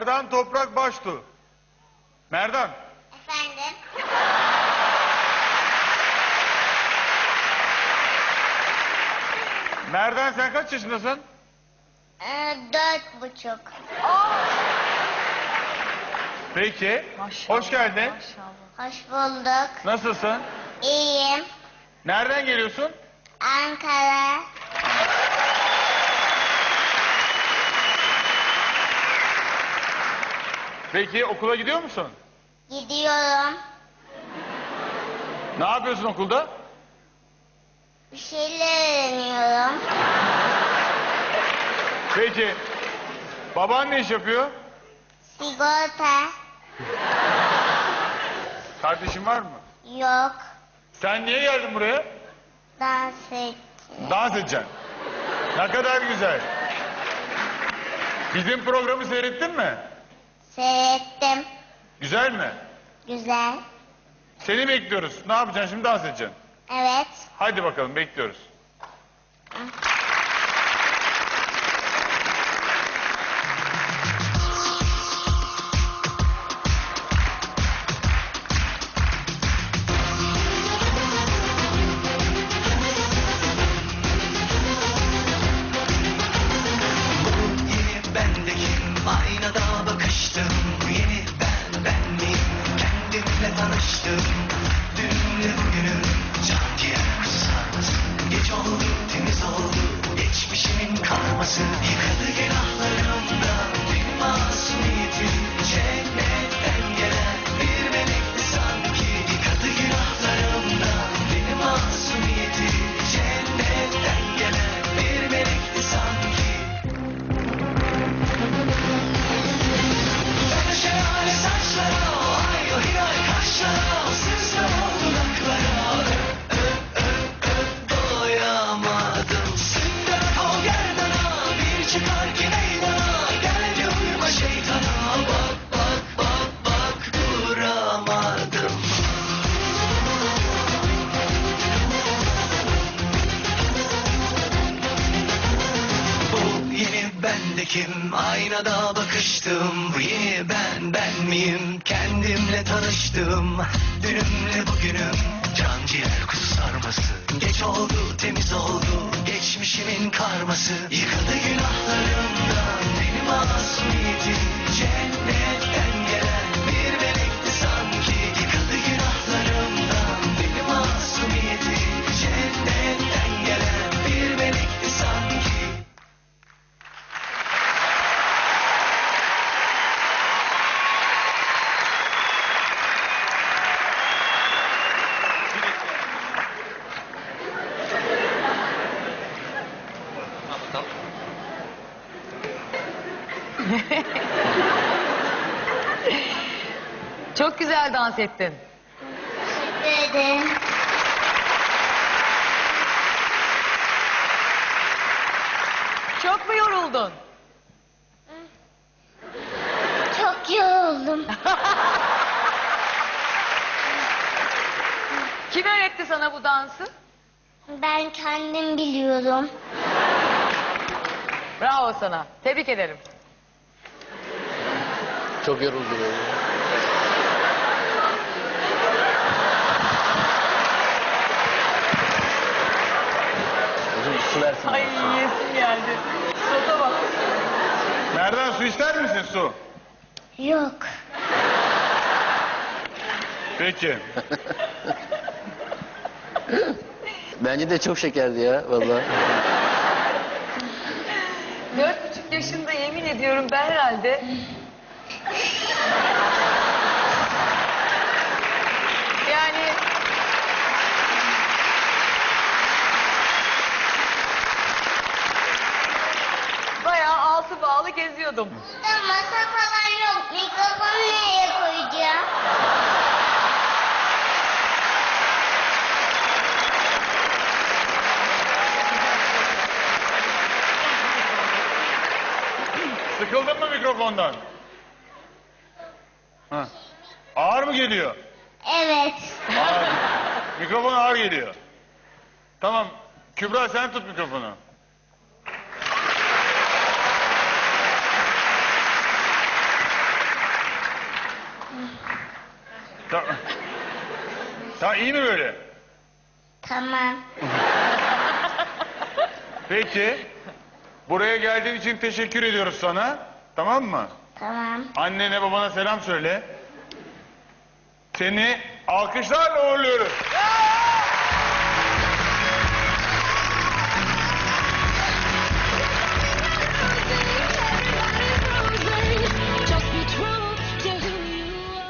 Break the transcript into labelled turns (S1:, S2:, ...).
S1: Merdan Toprak Baştu. Merdan.
S2: Efendim?
S1: Merdan sen kaç yaşındasın?
S2: 4,5.
S1: Peki.
S3: Maşallah,
S1: Hoş geldin.
S3: Maşallah.
S2: Hoş bulduk.
S1: Nasılsın?
S2: İyiyim.
S1: Nereden geliyorsun?
S2: Ankara.
S1: Peki okula gidiyor musun?
S2: Gidiyorum.
S1: Ne yapıyorsun okulda?
S2: Bir şeyler öğreniyorum.
S1: Peki. Baban ne iş yapıyor?
S2: Sigorta.
S1: Kardeşin var mı?
S2: Yok.
S1: Sen niye geldin buraya?
S2: Dans et.
S1: Dans edeceksin. Ne kadar güzel. Bizim programı seyrettin mi?
S2: Seyrettim.
S1: Güzel mi?
S2: Güzel.
S1: Seni bekliyoruz. Ne yapacaksın şimdi? Dans edeceksin.
S2: Evet.
S1: Hadi bakalım bekliyoruz.
S4: Aynada bakıştım, bu yeni ben miyim? Kendimle tanıştım, dünle bugünüm, can ciğer sarması. Geç oldu, temiz oldu, geçmişimin karması. Yıkadı günahlarımdan bir masumiyetim, cennetten gelen bir melekti sanki. Yıkadı günahlarımdan bir masumiyetim, cennetten gelen bir melekti sanki. Şelale saçlara, ay o hilal kaşlara, o sızla o dudaklara. Doyamadım. Sünder kol gerdana, bir çıkar ki meydana. Gel de uyuma şeytana, bak bak bak bak duramadım. Bu yeni bendekim, aynada bakıştım. Bu yeni ben miyim? Kendimle tanıştım, dünümle bugünüm, can ciğer kuzu sarması. Geç oldu, temiz oldu, geçmişimin karması. Yıkadı günahlarımdan benim masumiyetim, cennetten gelen bir melekti sanki. Yıkadı günahlarımdan benim masumiyetim, cennetten gelen bir melekti sanki.
S3: Çok güzel dans ettin.
S2: Teşekkür ederim.
S3: Çok mu yoruldun?
S2: Çok yoruldum.
S3: Kim öğretti sana bu dansı?
S2: Ben kendim biliyorum.
S3: Bravo sana. Tebrik ederim.
S5: Çok yoruldu böyle. Hocam su versin.
S3: Ay yesim geldi. Soda bak.
S1: Merdan su ister misin su?
S2: Yok.
S1: Peki.
S5: Bence de çok şekerdi ya vallahi.
S3: 4,5 yaşında yemin ediyorum ben herhalde. Yani bayağı altı bağlı geziyordum.
S2: Burada masa falan yok. Mikrofonu nereye koyacağım?
S1: Sıkıldın mı mikrofondan? Ha. Ağır mı geliyor?
S2: Evet.
S1: Ağır. Mikrofon ağır geliyor. Tamam. Kübra sen tut mikrofonu. Tamam. Tamam, iyi mi böyle?
S2: Tamam.
S1: Peki. Buraya geldiğin için teşekkür ediyoruz sana. Tamam mı?
S2: Tamam.
S1: Annene babana selam söyle. Seni alkışlarla uğurluyoruz.